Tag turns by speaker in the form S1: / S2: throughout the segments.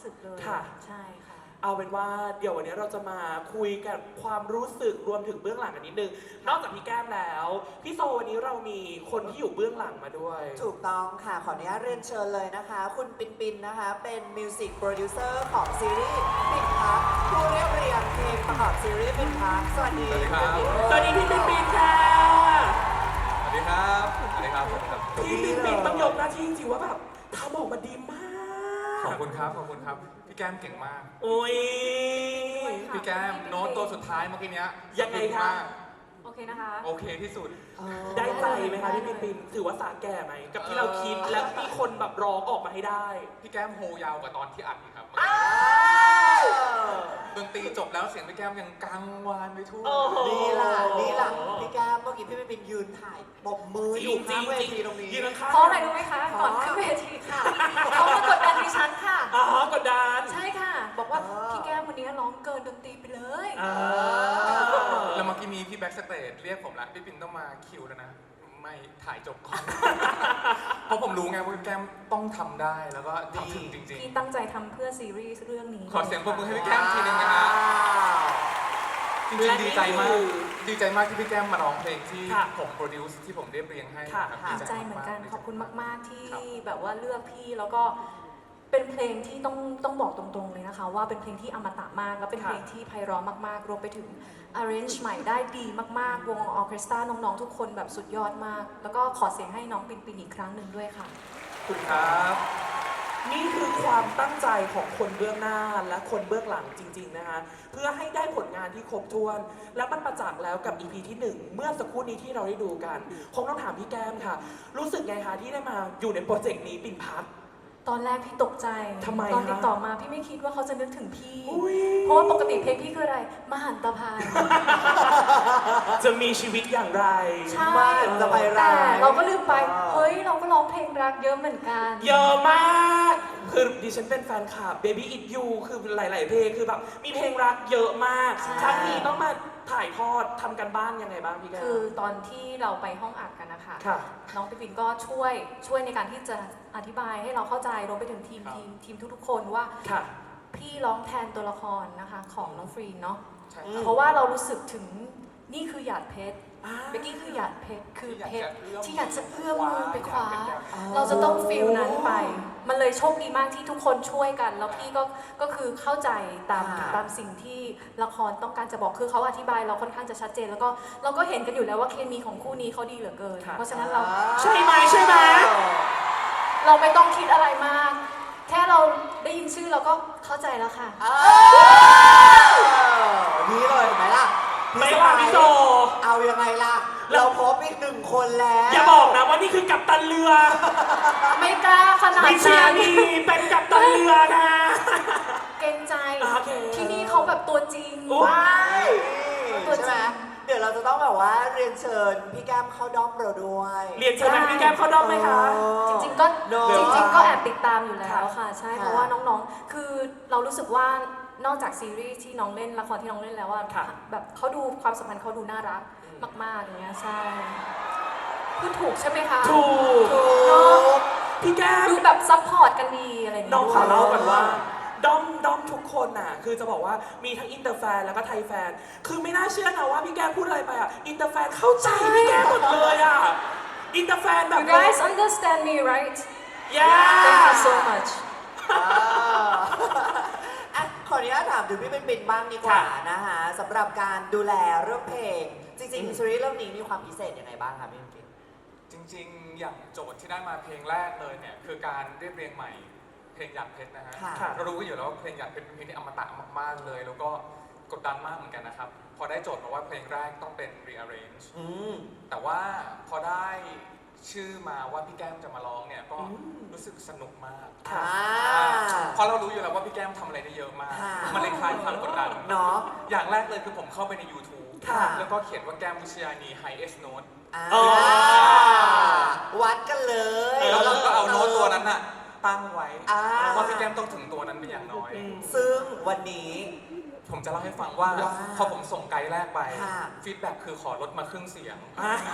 S1: สึกเลยใช่ค่ะ
S2: เอาเป็นว่าเดี๋ยววันนี้เราจะมาคุยกันความรู้สึกรวมถึงเบื้องหลังกันนิดนึงนอกจากพี่แก้มแล้วพี่โซวันนี้เรามีคนที่อยู่เบื้องหลังมาด้วย
S3: ถูกต้องค่ะขออนุญาตเรียนเชิญเลยนะคะคุณปินปินนะคะเป็นมิวสิกโปรดิวเซอร์ของซีรีส์ปินพักผู้เรียบเรียงเพลงประกอบซีรีส์ปินพักสวัสดี
S4: ครับ
S2: สวัสดีพี่ปินปินค่ะ
S4: สวัสดีครับสวัสดีครับ
S2: พี่ปินปินต้องยกหน้าที่จริงๆว่าแบบทำออกมาดีมาก
S4: ขอบคุณครับขอบคุณครับพี่แก้มเก่งมาก
S2: โอ้ย
S4: พี่แก้มโน้ตตัวสุดท้ายเมื่อกี้นี้
S2: ยังไงครับ
S1: โอเคนะคะ
S4: โอเคที่สุด
S2: ได้ใจไหมคะพี่ปินปินถือว่าสาแก่ไหมกับที่เราคิดและมีคนแบบร้องออกมาให้ได้
S4: พี่แก้มโฮยาวกว่าตอนที่อัดครับดนตรีจบแล้วเสียงพี่แก้มยังกังวานไปทั่ว
S3: นี่ล่ะพี่แก้มเมื่อกี้พี่ปินยืนถ่ายปบมืออยู่ข้างเวทีตรงนี้
S1: เพราะอะไรรู้ไหมคะก่อนขึ้นเวทีค่ะเขามากดดันดิฉันค่ะ
S2: กดดัน
S1: ใช่ค่ะบอกว่าพี่แก้มวันนี้ร้องเกินดนตรีไปเลย
S4: แล้วเมื่อกี้มีพี่แบ็กสเตจเรียกผมแล้วพี่ปินต้องมาคิวแล้วนะไม่ถ่ายจบก่อนเพราะผมรู้ไงว่าพี่แก้มต้องทำได้แล้วก็ทำถึงจริงๆ
S1: พี่ตั้งใจทำเพื่อซีรีส์เรื่องนี้
S4: ขอเสียงปรบมือให้พี่แก้มทีนึงนะฮะจริงๆดีใจมากที่พี่แก้มมาร้องเพลงที่ผมโปรดิวซ์ที่ผมเรียบเรียงให้
S1: ดีใจเหมือนกันขอบคุณมากๆที่แบบว่าเลือกพี่แล้วก็เป็นเพลงที่ต้องบอกตรงๆเลยนะคะว่าเป็นเพลงที่อมตะมากแล้วเป็นเพลงที่ไพเราะมากๆรวมไปถึง arrange ใหม่ได้ดีมากๆวงออร์เคสตราน้องๆทุกคนแบบสุดยอดมากแล้วก็ขอเสียงให้น้องปินปินอีกครั้งหนึ่งด้วยค่ะ
S2: ขอบคุณครับนี่คือความตั้งใจของคนเบื้องหน้าและคนเบื้องหลังจริงๆนะคะเพื่อให้ได้ผลงานที่ครบถ้วนและมันประจักษ์แล้วกับ EP ที่1เมื่อสักครู่นี้ที่เราได้ดูกันคงต้องถามพี่แก้มค่ะรู้สึกไงคะที่ได้มาอยู่ในโปรเจกต์นี้ปิ่นพัก
S1: ตอนแรกพี่ตกใจ
S2: ทำไม
S1: ตอนติดต่อมาพี่ไม่คิดว่าเขาจะนึกถึงพี่เพราะว่าปกติเพลงพี่คืออะไรมหันตภัย
S2: จะมีชีวิตอย่างไร
S1: ใช่แต่เราก็ลืมไปเฮ้ยเราก็ร้องเพลงรักเยอะเหมือนกัน
S2: เยอะมากคือดิฉันเป็นแฟนคลับ Baby It You คือหลายๆเพลงคือแบบมีเพลงรักเยอะมากครั้งนี้ต้องมาถ่ายทอดทำกันบ้านยังไงบ้างพี่แก้ว
S1: คือตอนที่เราไปห้องอัดกันนะคะน้องปิ่นก็ช่วยในการที่จะอธิบายให้เราเข้าใจรวมไปถึงทีมทุกๆคนว่าพี่ร้องแทนตัวละครนะคะของน้องฟรีนเนาะเพราะว่าเรารู้สึกถึงนี่คือหยาดเพชรเบกกี้คือหยาดเพชรคือเพชรที่อยากจะเอื้อมมือไปคว้าเราจะต้องฟีลนั้นไปมันเลยโชคดีมากที่ทุกคนช่วยกันแล้วพี่ก็คือเข้าใจตามสิ่งที่ละครต้องการจะบอกคือเขาอธิบายเราค่อนข้างจะชัดเจนแล้วก็เราก็เห็นกันอยู่แล้วว่าเคมีของคู่นี้เขาดีเหลือเกินเพราะฉะนั้นเรา
S2: ใช่ไหม
S1: เราไม่ต้องคิดอะไรมากแค่เราได้ยินชื่อเราก็เข้าใจแล้วค่ะ
S3: นี่เลยเห็นไหมล่ะ
S2: ไม่ว่าพี่โซ
S3: เอายังไงล่ะเราพบอีก1 คนแล้ว
S2: อย่าบอกนะว่านี่คือกัปตันเรือ
S1: ไม่กล้าขนาดนั้น
S2: วิเชียรีเป็นกัปตันเรือนะ
S1: เกรงใจที่นี่เขาแบบตัวจริง
S3: ตัวจริงเดี๋ยวเราจะต้องแบบว่าเรียนเชิญพี่แก้มเข้าด้อมเราด้วย
S2: เรียนเชิญพี่แก้มเข้าด้อมไหมคะ
S1: จริงๆก็แอบติดตามอยู่แล้วค่ะใช่เพราะว่าน้องๆคือเรารู้สึกว่านอกจากซีรีส์ที่น้องเล่นละครที่น้องเล่นแล้วว่าแบบเขาดูความสัมพันธ์เขาดูน่ารักมากๆอย่างเงี้ยใช่คือถูกใช่ไหมคะ
S2: ถูกพี่แก้ม
S1: ดูแบบซัพพอร์ตกันดีอะไรอย่างเงี้ย
S2: น้องขอเล่าก่อนว่าด้อมทุกคนน่ะคือจะบอกว่ามีทั้งอินเตอร์แฟนแล้วก็ไทยแฟนคือไม่น่าเชื่อนะว่าพี่แก้มพูดอะไรไปอ่ะอินเตอร์แฟนเข้าใจพี่แก้มหมดเลยอ่ะอินเตอร์แฟนแบบ
S1: You guys understand me right
S2: Yeah
S1: Thank you so much
S3: ขออนุญาตถามถึงพี่ปิ่นบ้างดีกว่านะคะสำหรับการดูแลเรื่องเพลงจริงๆซีรีส์เรื่องนี้มีความพิเศษยังไงบ้างคะพี่ปิ่น
S4: จริงๆอย่างโจทย์ที่ได้มาเพลงแรกเลยเนี่ยคือการเรียบเรียงใหม่เพลงหยาดเพชรนะฮะเรารู้กันอยู่แล้วว่าเพลงหยาดเพชรเป็นเพลงที่อมตะมากๆเลยแล้วก็กดดันมากเหมือนกันนะครับพอได้โจทย์มาว่าเพลงแรกต้องเป็น rearrange แต่ว่าพอได้ชื่อมาว่าพี่แก้มจะมาร้องเนี่ยก็รู้สึกสนุกมากเพราะเรารู้อยู่แล้วว่าพี่แก้มทำอะไรได้เยอะมากมันเลยคลายความกดดัน
S3: เนาะ
S4: อย่างแรกเลยคือผมเข้าไปใน YouTube แล้วก็เขียนว่าแก้มวิชยานี highest note
S3: วัดกันเลย
S4: แล้วเราก็เอาโน้ตตัวนั้นน่ะตั้งไว้ว่าพี่แก้มต้องถึงตัวนั้นเป็นอย่างน้อย
S3: ซึ่งวันนี้
S4: ผมจะเล่าให้ฟังว่าพอผมส่งไกด์แรกไปฟีดแบ็กคือขอลดมาครึ่งเสียง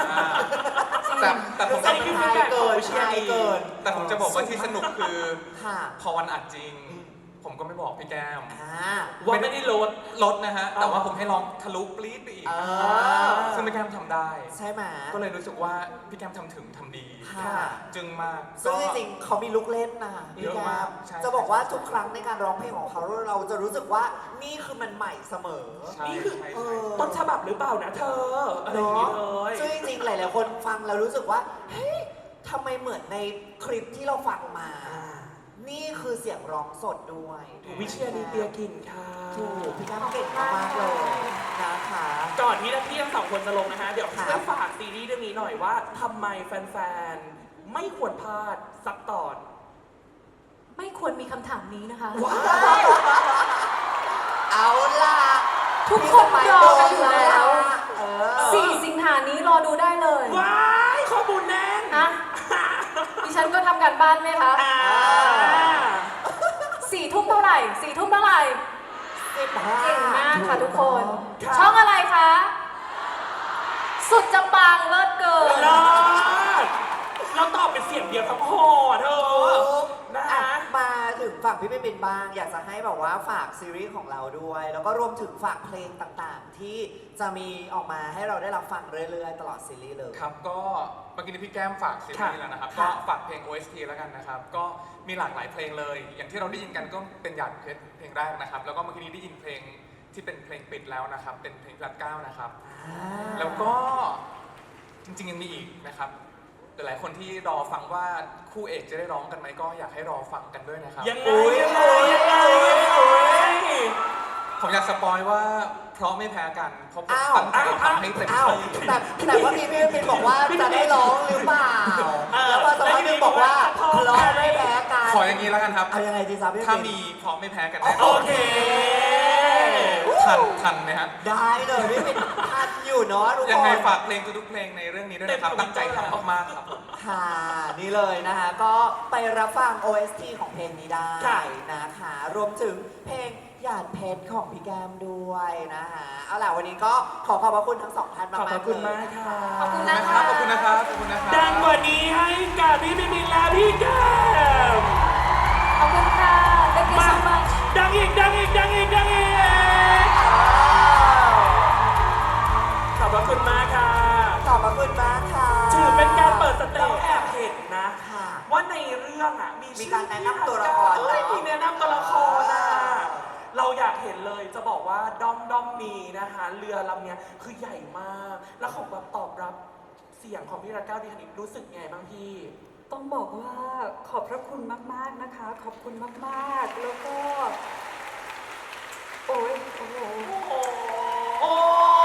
S4: แต่ผมจะ
S3: ฟีดแบ็กเกิน
S4: แต่ผมจะบอกว่าที่สนุกคือพอวันอัดจริงผมก็ไม่บอกพี่แก้ม
S2: ว่าไม่ได้
S4: ลดนะฮะ แต่ว่าผมให้ลองทะลุปรี๊ดไปอีก ซึ่งพี่แก้มทำได้
S3: ใช่ไหม
S4: ก็เลยรู้สึกว่าพี่แก้มทำถึงทำดี จึงมาก
S3: ซึ่งจริงๆเขามีลูกเล่นนะพี่
S4: เยอะ
S3: แก้
S4: มาก
S3: ม
S4: ใช่
S3: จะบอกว่าทุกครั้งในการร้องเพลงของเขาเราจะรู้สึกว่านี่คือมันใหม่เสมอ
S4: ใช่
S2: นี่คือ
S4: ใช่
S2: ต้นฉบับหรือเปล่านะเธออะไรอย่างนี้เลย
S3: ซึ่งจริงๆหลายๆคนฟังแล้วรู้สึกว่าเฮ้ยทำไมเหมือนในคลิปที่เราฟังมา นี่คือเสียงร้องสดด้วย
S2: วิเชียรนีเตียกินค่ะ
S3: ถูกพี่แก้มเก่งมากๆเลยนะคะ
S2: ก่อนที่พี่ทั้งสองคนจะลงนะคะ เดี๋ยว
S3: ครับ
S2: ช่วยฝากซีรีส์เรื่องนี้หน่อยว่าทำไมแฟนๆ ไม่ควรพลาดสักตอน
S1: ไม่ควรมีคำถามนี้นะคะ
S2: ว้าว
S3: เอาล่ะ
S1: ทุกคนรอกันอยู่แล้ว
S3: เออ
S1: 4 สิงหานี้รอดูได้เลย
S2: ว้ายข้อมูลแน่น
S1: อะดิฉันก็ทำการบ้านไหมคะ
S2: อ่า
S1: 4 ทุ่มเท่าไหร่ 4 ทุ่มเท่าไหร่ เก่งมากค่ะทุกคน
S2: ครับ
S1: ช่องอะไรคะ สุดจะปังเลิศเกิน
S2: เลิศเราตอบเป็นเสียงเดียวทั้งหอเธอนะ
S3: อ่ะ
S2: คะ
S3: มาถึงฝั่งพี่เป็นบ้าง อยากจะให้แบบว่าฝากซีรีส์ของเราด้วย แล้วก็รวมถึงฝากเพลงต่างๆ ที่จะมีออกมาให้เราได้รับฟังเรื่อยๆ ตลอดซีรีส์เลย
S4: ครับก็เมื่อกี้นี้พี่แก้มฝากซีรีส์แล้วนะครับ
S3: ค่ะ
S4: ก็ฝากเพลง OST แล้วกันนะครับ ก็มีหลากหลายเพลงเลย อย่างที่เราได้ยินกันก็เป็นหยาดเพชรเพลงแรกนะครับ แล้วก็เมื่อกี้นี้ได้ยินเพลงที่เป็นเพลงปิดแล้วนะครับ เป็นเพลงพลัดเก้านะครับ แล้วก็จริงๆยังมีอีกนะครับหลายๆคนที่รอฟังว่าคู่เอกจะได้ร้องกันไหมก็อยากให้รอฟังกันด้วยนะครับ
S2: ยังไงยังไงยังไงยังไง
S4: ผมอยากสปอยว่าเพราะไม่แพ้กันเพราะผม
S3: อ้าว
S4: ตั้งใจทำให้เต็ม
S3: อ้าว
S4: ที่
S3: แต่ว่าพี่เป็นบอกว่าจะได้ร้องหรือเปล่า แล้วพอสักพักหนึงบอกว่าร้องไม่แพ้กัน
S4: ขออย่างนี้แล้วกันครับ
S3: เอายังไงดีจ๊ะพี่
S4: ถ้า
S3: เป็น
S4: มีเพราะไม่แพ้กันแน่
S2: โอเค
S4: ทันไหมฮะ
S3: ได้เลยพี่เป็นทันอยู่เนาะทุกคน
S4: ยังไงฝากเพลงทุกๆเพลงในเรื่องนี้ด้วยนะครับ ตั้งใจทำมากๆครับผม
S3: ค่ะนี่เลยนะคะ ก็ไปรับฟัง OST ของเพลงนี้ได้
S2: ค่ะ
S3: นะคะ รวมถึงเพลงหยาดเพชรของพี่แก้มด้วยนะคะเอาล่ะวันนี้ก็ขอบพระคุณทั้งสองท่านมาก
S2: ขอบ
S3: ๆ
S2: คุณ
S3: เลย
S2: มากค่ะ
S1: ขอบคุณ
S4: นะ
S1: นะ
S4: ค
S1: คะ
S4: รับขอบคุณนะครับขอบคุณนะครับ
S2: ดังกว่านี้ให้กับพี่บินและพี่แก้ม
S1: ขอบคุณค่ะ Thank you so much
S2: ดังอีกดังอีกดังอีกดังอีกขอบพระคุณมากค่ะ
S3: ขอบพระคุณมากค่ะ
S2: ถือเป็นการเปิดสเตจแอบเห็นนะ
S3: ค่ะ
S2: ว่าในเรื่องอ่ะมี
S3: มีการแนะนำตัวละคร
S2: เอ้ย
S3: เนอะ
S2: มีแนะนำตัวละครอ่ะเราอยากเห็นเลยจะบอกว่าด้อมมีนะคะเรือลำเนี้ยคือใหญ่มาก แล้วของแบบตอบรับเสียงของพี่รัตเก้าดีคณิตรู้สึกไงบ้างพี่
S5: ต้องบอกว่าขอบพระคุณมาก ๆ นะคะ ขอบคุณมาก ๆ แล้วก็ โอ้ยโอ้โห
S2: โอ้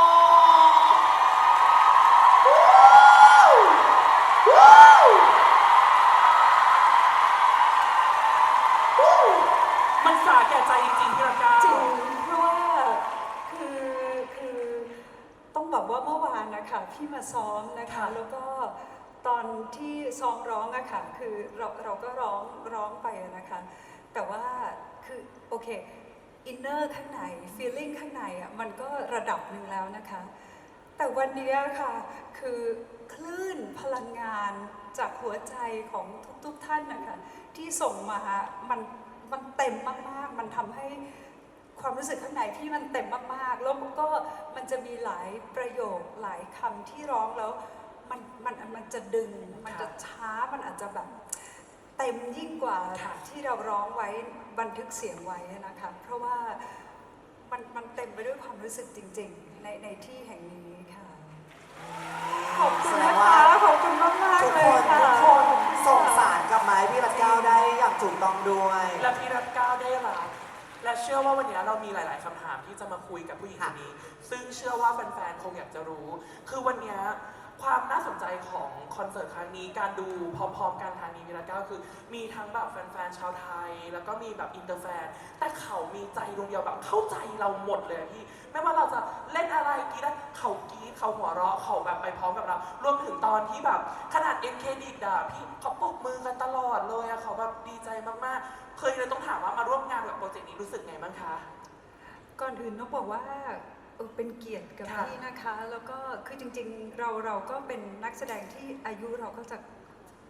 S2: มันสาแก่ใจจริงๆพี่รัตเก้า
S5: จริงเพราะว่าคือต้องบอกว่าเมื่อวานนะคะพี่มาซ้อมนะคะ แล้วก็ตอนที่ซ้อมร้องอะค่ะคือเราก็ร้องไปอะนะคะ แต่ว่าคือโอเคอินเนอร์ข้างในฟีลลิ่งข้างในอะมันก็ระดับหนึ่งแล้วนะคะ แต่วันนี้ค่ะคือคลื่นพลังงานจากหัวใจของทุกท่านนะคะที่ส่งมามันเต็มมากๆ มันทำให้ความรู้สึกข้างในที่มันเต็มมากๆ แล้วก็มันจะมีหลายประโยคหลายคำที่ร้องแล้วมันจะดึงมันจะช้ามันอาจจะแบบเต็มยิ่งกว่าที่เราร้องไว้บันทึกเสียงไว้นะคะเพราะว่ามันเต็มไปด้วยความรู้สึกจริงๆในที่แห่งนี้ค่ะ ขอบคุณนะคะขอบคุณมาก
S3: ทุก
S5: ๆ เล
S3: ค
S5: ย
S3: น
S5: ค่ะ
S3: ทุกคนส่งสารกลับมาให้พี่รัตเก้าได้อย่างถูกต้องด้วย
S2: และพี่รัตเก้าได้รับและเชื่อว่าวันนี้เรามีหลาย ๆคำถามที่จะมาคุยกับผู้หญิงคนนี้ ซึ่งเชื่อว่าแฟน ๆ คงอยากจะรู้ คือวันนี้ความน่าสนใจของคอนเสิร์ตครั้งนี้การดูพร้อม ๆ กันทางนี้พี่รัตเก้าคือมีทั้งแบบแฟน ๆ ชาวไทย แล้วก็มีแบบอินเตอร์แฟน แต่เขามีใจดวงเดียวแบบเข้าใจเราหมดเลยอะพี่ ไม่ว่าเราจะเล่นอะไรกรีดเขากรีดเขาหัวเราะเขาแบบไปพร้อมกับเรา รวมถึงตอนที่แบบขนาดเอ็นเครดิตอะพี่เขาปรบมือกันตลอดเลยอะเขาแบบดีใจมากๆ เคยเลยต้องถามว่ามาร่วมงานกับโปรเจกต์นี้รู้สึกไงบ้างคะ
S5: ก่อนอื่นต้องบอกว่าเป็นเกียรติกับ
S2: ค่ะ
S5: พี่นะคะ แล้วก็คือจริงๆเราก็เป็นนักแสดงที่อายุเราก็จะ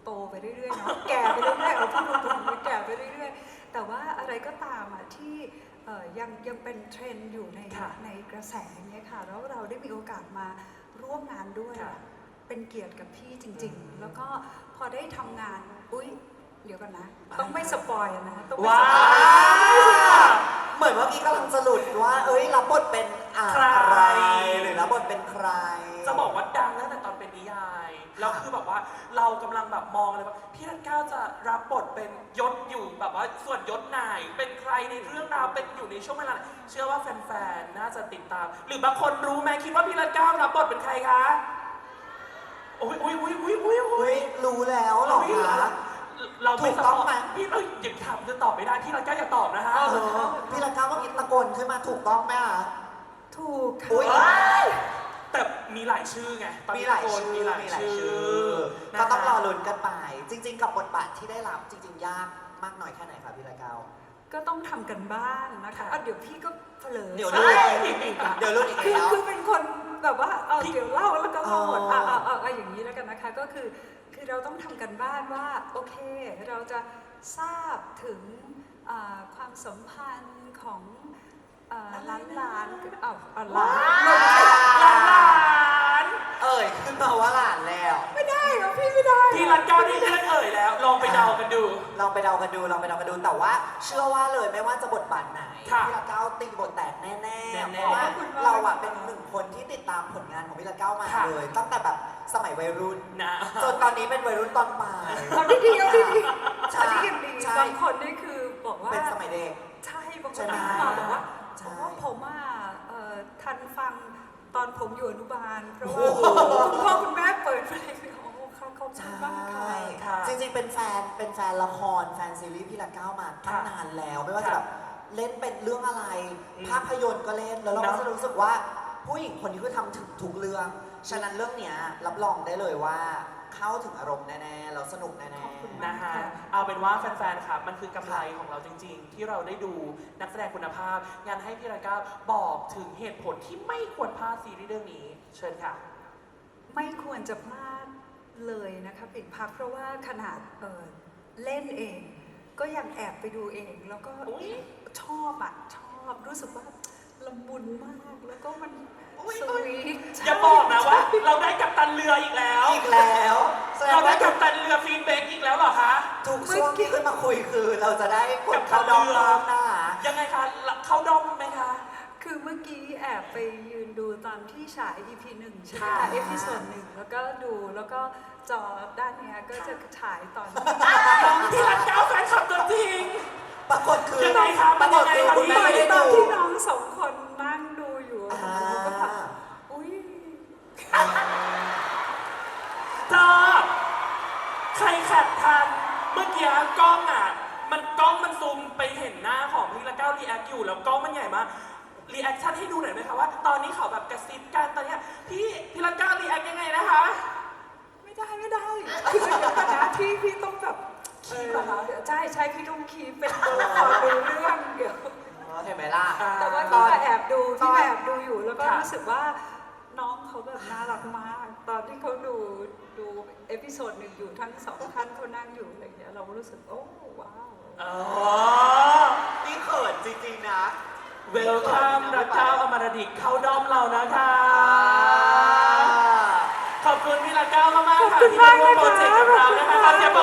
S5: โตไปเรื่อยๆเนาะแก่ไปเรื่อยๆเอาพูดตรงๆแก่ไปเรื่อยๆแต่ว่าอะไรก็ตามอ่ะที่ยังเป็นเทรนด์อยู่ในกระแสเนี่ยค่ะแล้วเราได้มีโอกาสมาร่วมงานด้วยอะเป็นเกียรติกับพี่จริงๆ แล้วก็พอได้ทำงานเดี๋ยวกันนะ ต้องไม่สปอยนะต้องไม่
S2: ว้า
S5: สปอย
S3: เหมือนว่าพี่กำลังจะหลุดว่ารับบทเป็นอะไรหรือรับบทเป็นใคร
S2: จะบอกว่าดังตั้งแต่ตอนเป็นนิยายแล้วคือแบบว่าเรากำลังแบบมองเลยว่าพี่รัตเก้าจะรับบทเป็นยศอยู่แบบว่าส่วนยศไหนเป็นใครในเรื่องราวเป็นอยู่ในช่วงเวลาไหนเชื่อว่าแฟนๆน่าจะติดตาม หรือบางคนรู้ไหมคิดว่าพี่รัตเก้ารับบทเป็นใครคะโอ้ย
S3: รู้แล้วเหรอคะ
S2: เราไม่
S3: ถูกต้องไหม
S2: พี่เราอย่าถามจะตอบไม่ได้พี่รัตเก้าอย่าตอบนะฮะ
S3: พี่ละก้าวเมื่อกี้ตะโกนขึ้นมาถูกต้องไหมคะ
S5: ถูกค่ะ
S3: อุ๊ย
S2: แต่มีหลายชื่อไงตอน
S3: มี
S2: นี้
S3: หลาย
S2: โกน
S3: ชื่อ
S2: มีหลายชื่อ
S3: ก็ต้องรอ
S2: นะคะ
S3: ลุ้นกันไป จริง ๆ กับบทบาทที่ได้รับจริง ๆ ยากมากน้อยแค่ไหนคะพี่ละก้าว
S5: ก็ต้องทำกันบ้านนะคะเดี๋ยวพี่ก็เผลอ
S3: เดี๋ยวรู้อีก
S5: คือ
S3: แล้ว
S5: คือเป็นคนแบบว่าเดี๋ยวเล่าแล้วก็เล่าหมดอย่างนี้แล้วกันนะคะก็คือเราต้องทำกันบ้านว่าโอเคเราจะทราบถึงความสัมพันธ์ของหลานหลาน
S3: ขึ้นมาว่าหลานแล้ว
S5: ไม่ได้หรอพี่ไม่ได้
S2: พี่รัตเก้านี่เพื่อนเอ่ยแล้ว ลองไปเดากันดู
S3: ลองไปเดากันดูแต่ว่าเชื่อว่าเลยไม่ว่าจะบทบาทไหน
S2: ค่ะ
S3: พี่ละก้าวตีบทแตกแน่
S2: แน่
S3: ๆ
S2: ๆ
S3: เพราะว่าเราอะเป็นหนึ่งคนที่ติดตามผลงานของพี่ละก้าวมา
S2: ค่ะ
S3: เลย ตั้งแต่แบบสมัยวัยรุ่น
S2: นะ
S3: จนตอนนี้เป็นวัยรุ่นตอนปลาย
S5: เอาดีๆ
S3: ใช่
S5: อันนี้ยังดี
S3: ใช่
S5: บางคนนี่คือบอกว่า
S3: เป็นสมัยเด็ก
S5: ใช่บางค
S3: ใช่
S5: น
S3: ไหม
S5: มาบอกว่า
S3: ใช่
S5: ผมทันฟังตอนผมอยู่อนุบาล เพราะ
S3: โอ้
S5: ว่า
S3: โห
S5: คุณพ่อคุณแม่เปิดเพลงโอ้ค่ะขอบคุณมากค่ะ
S3: ใช่
S2: ค่ะ
S3: จริงๆ เป็นแฟนละครแฟนซีรีส์พี่ละก้าวมาตั้งนานแล้ว ไม่ว่าจะแบบเล่นเป็นเรื่องอะไร ภาพยนตร์ก็เล่น แล้วเราก็จะรู้สึกว่าผู้หญิงคนนี้คือทำถึงทุกเรื่อง ฉะนั้นเรื่องเนี้ยรับรองได้เลยว่าเข้าถึงอารมณ์แน่ๆแล้วสนุกแน่
S5: ขอบคุณ
S2: นะฮะเอาเป็นว่าแฟนๆ ครับ มันคือกำไรของเราจริงๆ ที่เราได้ดูนักแสดงคุณภาพ งานให้พี่รัตเก้าบอกถึงเหตุผลที่ไม่ควรพลาดซีรีส์เรื่องนี้ เชิญค่ะ
S5: ไม่ควรจะพลาดเลยนะคะปิ่นพักเพราะว่าขนาดเล่นเอง ก็ยังแอบไปดูเอง แล้วก็
S2: อุ๊ย
S5: ชอบรู้สึกว่าละมุนมากแล้วก็มัน
S2: อุ๊ย
S5: สวีท
S2: อย่าบอกนะว่า เราได้กัปตันเรืออีกแล้ว
S3: ๆ อีกแล้วแสด
S2: เรา
S3: ง
S2: ได้
S3: ว่า
S2: กัปตันเรือฟีนเบกอีกแล้วเหรอคะ
S3: ทุกช่วงที่ขึ้นมาคุยคือเราจะได้กดเข้าดอมหน้า
S2: ยังไงคะ เข้าด้อมไหมคะ
S5: คือเมื่อกี้แอบไปยืนดูตอนที่ฉาย EP 1 ใช่ไหม
S2: ค่ะ
S5: คะ เอพิโซด1แล้วก็ดูแล้วก็จอด้านเนี้ยก็จะฉายตอน
S2: พี่รัตเก้าแฟนคลับตัวจริง
S3: ปรากฏคือ
S2: ยังไงคะ
S3: ปรากฏคือ
S2: มัน
S3: คุณ
S2: ยังไงคะ
S3: แม่ไม่ได้
S5: ตอน
S3: ดู
S5: ที่น้องสองคนนั่งดูอยู่
S3: อ่า
S5: แล้วก็แบบอุ้ย
S2: เธอใครแคปทัน เมื่อกี้กล้องมันซูมไปเห็นหน้าของพี่ละเก้ารีแอคอยู่แล้วกล้องมันใหญ่มากรีแอคชั่นให้ดูหน่อยไหมคะว่าตอนนี้เขาแบบกระซิบกันตอนเนี้ยพี่ละเก้ารีแอคยังไงนะคะ
S5: ไม่ได้คือเดี๋ยวก่อนนะพี่ต้องแบบ
S2: คีบเหรอคะ
S5: ใช่พี่ต้องคีบเป็นตัวละครดูเรื่องเดี๋ยว
S3: เห็นไหมล่ะ
S5: แต่ว่า
S3: ต
S5: พี่
S3: อน
S5: ก็แอบดูอยู่แล้วก็
S2: ค่ะ
S5: รู้สึกว่าน้องเขาแบบน่ารักมาก ตอนที่เขาดูเอพิโซดหนึ่งอยู่ทั้งสองท่านเขานั่งอยู่อะไรอย่างเงี้ยเรารู้สึกโอ้ว้าว
S2: อ๋อ
S3: นี่เขินจริงๆนะ
S2: เวลคัมรัตเก้าอมรดิตเข้าด้อมเรานะคะ ขอบคุณพี่ละเก้ามากๆค่ะที่มาร่วมโปรเจกต์กับเรานะคะขอเสียง